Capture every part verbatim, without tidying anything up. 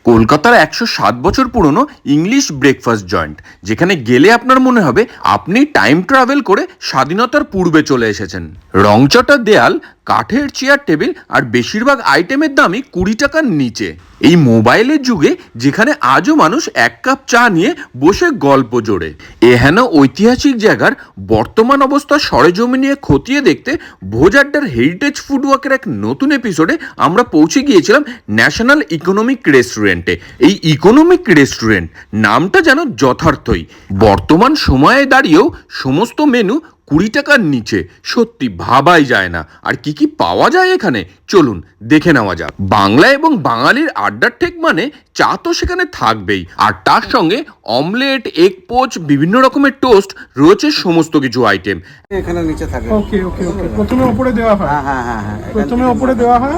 কলকাতার একশো সাত বছর পুরনো ইংলিশ ব্রেকফাস্ট জয়েন্ট, যেখানে গেলে আপনার মনে হবে আপনি টাইম ট্রাভেল করে স্বাধীনতার পূর্বে চলে এসেছেন। রংচটা দেয়াল, কাঠের চেয়ার টেবিল আর বেশিরভাগ আইটেমের দামই কুড়ি টাকার নিচে। এই মোবাইলের যুগে যেখানে আজও মানুষ এক কাপ চা নিয়ে বসে গল্প জোড়ে, এহেন ঐতিহাসিক জায়গার বর্তমান অবস্থা সরেজমি নিয়ে খতিয়ে দেখতে ভোজাড্ডার হেরিটেজ ফুডওয়াকের এক নতুন এপিসোডে আমরা পৌঁছে গিয়েছিলাম ন্যাশনাল ইকোনমিক রেস্টুরেন্টে। এই ইকোনমিক রেস্টুরেন্ট নামটা যেন যথার্থই। বর্তমান সময়ে দাঁড়িয়েও সমস্ত মেনু কুড়ি টাকার নিচে, সত্যি ভাবাই যায় না। আর কি কি পাওয়া যায় এখানে, চলুন দেখে নেওয়া যাক। বাংলা এবং বাঙালির আড্ডার ঠেক মানে চা তো সেখানে থাকবেই, আর তার সঙ্গে অমলেট, এগ পোচ, বিভিন্ন রকমের টোস্ট, রয়েছে সমস্ত কিছু আইটেম এখানে নিচে থাকে। ওকে ওকে ওকে প্রথমে উপরে দেওয়া হয়। হ্যাঁ হ্যাঁ হ্যাঁ হ্যাঁ প্রথমে উপরে দেওয়া হয়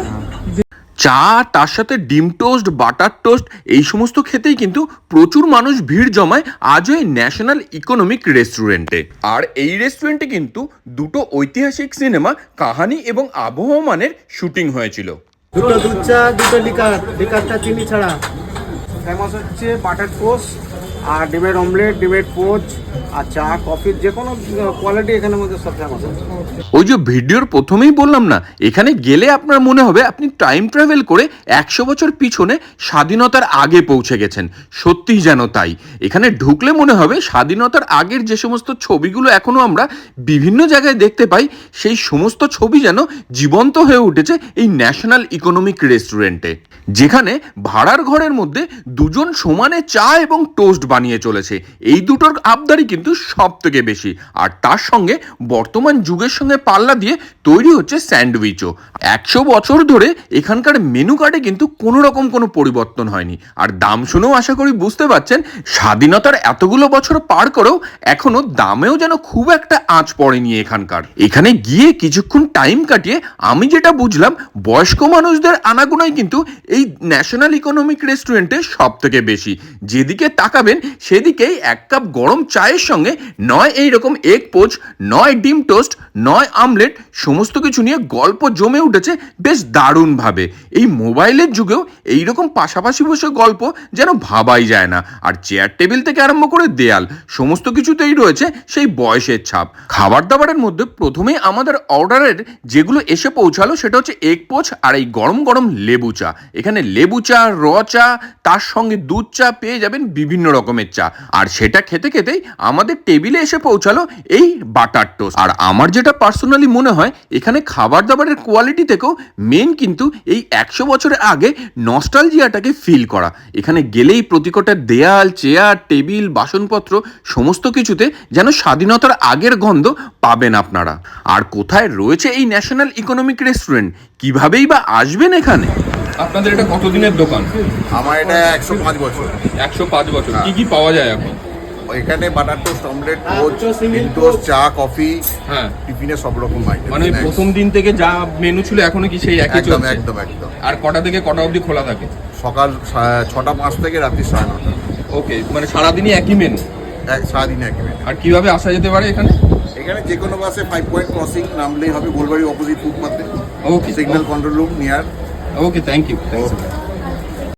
চা, তার সাথে ডিম টোস্ট, বাটার টোস্ট, এই সমস্ত খেতেই কিন্তু প্রচুর মানুষ ভিড় জমায় আজও এই ন্যাশনাল ইকোনমিক রেস্টুরেন্টে। আর এই রেস্টুরেন্টে কিন্তু দুটো ঐতিহাসিক সিনেমা কাহানি এবং আবহমানের শুটিং হয়েছিল। দুটো দুধ চা, দুটো লিকার, লিকারটা চিনি ছাড়া। ফেমাস হচ্ছে বাটার টোস্ট আর ডিমের অমলেট, ডিমের পোচ আর চা, কফির যে কোনো কোয়ালিটি এখানের মধ্যে সব ফেমাস আছে। ওই যে ভিডিওর প্রথমেই বললাম না, এখানে গেলে আপনার মনে হবে আপনি টাইম ট্রাভেল করে একশো বছর পিছনে স্বাধীনতার আগে পৌঁছে গেছেন। সত্যিই যেন তাই। এখানে ঢুকলে মনে হবে স্বাধীনতার আগের যে সমস্ত ছবিগুলো এখনো আমরা বিভিন্ন জায়গায় দেখতে পাই, সেই সমস্ত ছবি যেন জীবন্ত হয়ে উঠেছে এই ন্যাশনাল ইকোনমিক রেস্টুরেন্টে, যেখানে ভাড়ার ঘরের মধ্যে দুজন সমানে চা এবং টোস্ট বানিয়ে চলেছে। এই দুটোর আবদারই কিন্তু সব থেকে বেশি। আর তার সঙ্গে বর্তমান যুগের সঙ্গে পাল্লা দিয়ে তৈরি হচ্ছে স্যান্ডউইচও। একশো বছর ধরে এখানকার মেনু কার্ডে কিন্তু কোনো রকম কোনো পরিবর্তন হয়নি। আর দাম শুনেও আশা করি বুঝতে পারছেন, স্বাধীনতার এতগুলো বছর পার করেও এখনো দামেও যেন খুব একটা আঁচ পড়েনি এখানকার। এখানে গিয়ে কিছুক্ষণ টাইম কাটিয়ে আমি যেটা বুঝলাম, বয়স্ক মানুষদের আনাগোনাই কিন্তু এই ন্যাশনাল ইকোনমিক রেস্টুরেন্টে সব থেকে বেশি। যেদিকে তাকাবেন সেদিকেই এক কাপ গরম চায়ের সঙ্গে নয় এইরকম এগ পোচ, নয় ডিম টোস্ট, নয় আমলেট, সমস্ত কিছু নিয়ে গল্প জমে উঠেছে বেশ দারুণভাবে। এই মোবাইলের যুগেও এইরকম পাশাপাশি বসে গল্প যেন ভাবাই যায় না। আর চেয়ার টেবিল থেকে আরম্ভ করে দেয়াল, সমস্ত কিছুতেই রয়েছে সেই বয়সের ছাপ। খাবার দাবারের মধ্যে প্রথমেই আমাদের অর্ডারের যেগুলো এসে পৌঁছালো সেটা হচ্ছে এগ পোচ আর এই গরম গরম লেবু চা। এখানে লেবু চা, র চা, তার সঙ্গে দুধ চা পেয়ে যাবেন বিভিন্ন রকমের চা। আর সেটা খেতে খেতেই আমাদের টেবিলে এসে পৌঁছালো এই বাটার টোস্ট। আর আমার যেটা পার্সোনালি মনে হয়, এখানে খাবার দাবারের কোয়ালিটি থেকেও মেন কিন্তু এই একশো বছরের আগে নস্টালজিয়াটাকে ফিল করা। এখানে গেলেই প্রতিকটা দেয়াল, চেয়ার, টেবিল, বাসনপত্র সমস্ত কিছুতে যেন স্বাধীনতার আগের গন্ধ পাবেন আপনারা। আর কোথায় রয়েছে এই ন্যাশনাল ইকোনমিক রেস্টুরেন্ট, কিভাবেই বা আসবেন এখানে? আপনাদের এটা কতদিনের দোকান? আমার এটা একশো পাঁচ বছর। একশো পাঁচ বছর। কি কি পাওয়া যায় এখন? এখানে বাটার টোস্ট, অমলেট, পোচ, ডিম টোস্ট, চা, কফি, হ্যাঁ, টিফিনে সব রকম আইটেম। মানে প্রথম দিন থেকে যা মেনু ছিল এখনো কি সেই একই একদম চলছে? একদম একদম। আর কটা থেকে কটা অবধি খোলা থাকে? সকাল সা- ছটা পাঁচ থেকে রাত্রি সাড়ে নটা। ওকে, মানে সারাদিনই একই মেনু। এক সারাদিনে এক মিনিট। আর কিভাবে আসা যেতে পারে এখানে? এখানে যে কোনো বাসে ফাইভ পয়েন্ট ক্রসিং নামলেই হবে, গোলবাড়ি অপোজিট ফুটপাথে। Okay, signal control room near. Okay, thank you.